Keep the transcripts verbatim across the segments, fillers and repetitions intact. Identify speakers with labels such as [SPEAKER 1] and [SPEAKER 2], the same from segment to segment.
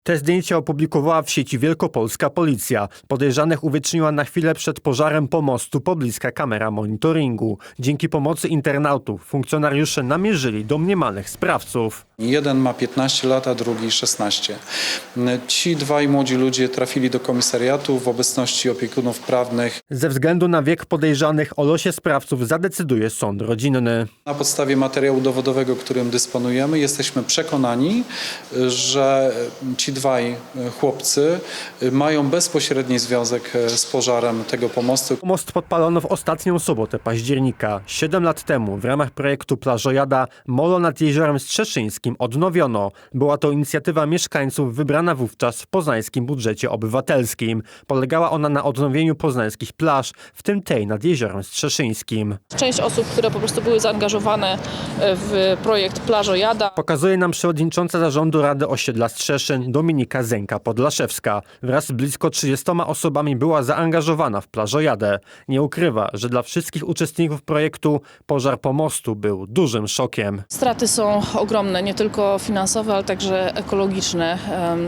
[SPEAKER 1] Te zdjęcia opublikowała w sieci wielkopolska policja. Podejrzanych uwieczniła na chwilę przed pożarem pomostu pobliska kamera monitoringu. Dzięki pomocy internautów funkcjonariusze namierzyli domniemanych sprawców.
[SPEAKER 2] Jeden ma piętnaście lat, a drugi szesnaście. Ci dwaj młodzi ludzie trafili do komisariatu w obecności opiekunów prawnych.
[SPEAKER 1] Ze względu na wiek podejrzanych o losie sprawców zadecyduje sąd rodzinny.
[SPEAKER 2] Na podstawie materiału dowodowego, którym dysponujemy, jesteśmy przekonani, że ci dwaj chłopcy mają bezpośredni związek z pożarem tego pomostu.
[SPEAKER 1] Most podpalono w ostatnią sobotę października. Siedem lat temu w ramach projektu Plażojada molo nad Jeziorem Strzeszyńskim odnowiono. Była to inicjatywa mieszkańców wybrana wówczas w poznańskim budżecie obywatelskim. Polegała ona na odnowieniu poznańskich plaż, w tym tej nad Jeziorem Strzeszyńskim.
[SPEAKER 3] Część osób, które po prostu były zaangażowane w projekt Plażojada.
[SPEAKER 1] Pokazuje nam przewodnicząca zarządu Rady Osiedla Strzeszyn Dominika Zenka-Podlaszewska. Wraz z blisko trzydziestoma osobami była zaangażowana w Plażojadę. Nie ukrywa, że dla wszystkich uczestników projektu pożar pomostu był dużym szokiem.
[SPEAKER 3] Straty są ogromne, nie tylko finansowe, ale także ekologiczne.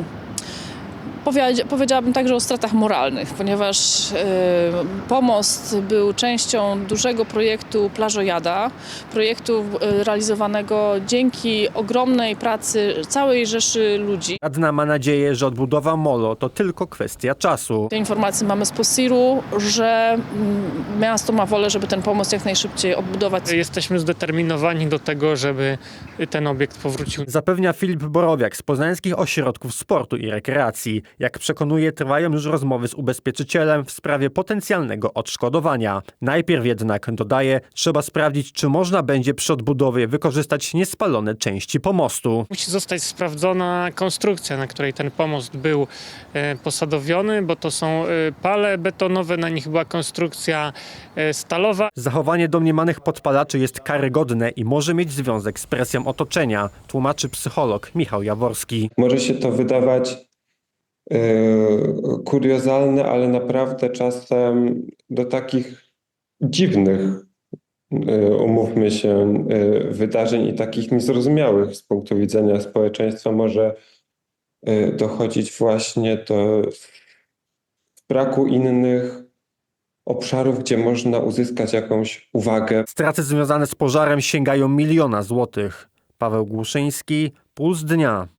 [SPEAKER 3] Powiedziałabym także o stratach moralnych, ponieważ pomost był częścią dużego projektu Plażojada, projektu realizowanego dzięki ogromnej pracy całej rzeszy ludzi.
[SPEAKER 1] Radna ma nadzieję, że odbudowa molo to tylko kwestia czasu.
[SPEAKER 3] Te informacje mamy z Posiru, że miasto ma wolę, żeby ten pomost jak najszybciej odbudować.
[SPEAKER 4] Jesteśmy zdeterminowani do tego, żeby ten obiekt powrócił.
[SPEAKER 1] Zapewnia Filip Borowiak z Poznańskich Ośrodków Sportu i Rekreacji. Jak przekonuje, trwają już rozmowy z ubezpieczycielem w sprawie potencjalnego odszkodowania. Najpierw jednak, dodaje, trzeba sprawdzić, czy można będzie przy odbudowie wykorzystać niespalone części pomostu.
[SPEAKER 4] Musi zostać sprawdzona konstrukcja, na której ten pomost był e, posadowiony, bo to są e, pale betonowe, na nich była konstrukcja e, stalowa.
[SPEAKER 1] Zachowanie domniemanych podpalaczy jest karygodne i może mieć związek z presją otoczenia, tłumaczy psycholog Michał Jaworski.
[SPEAKER 5] Może się to wydawać Yy, kuriozalne, ale naprawdę czasem do takich dziwnych, yy, umówmy się, yy, wydarzeń i takich niezrozumiałych z punktu widzenia społeczeństwa może yy, dochodzić właśnie do braku innych obszarów, gdzie można uzyskać jakąś uwagę.
[SPEAKER 1] Straty związane z pożarem sięgają miliona złotych. Paweł Głuszyński, Puls Dnia.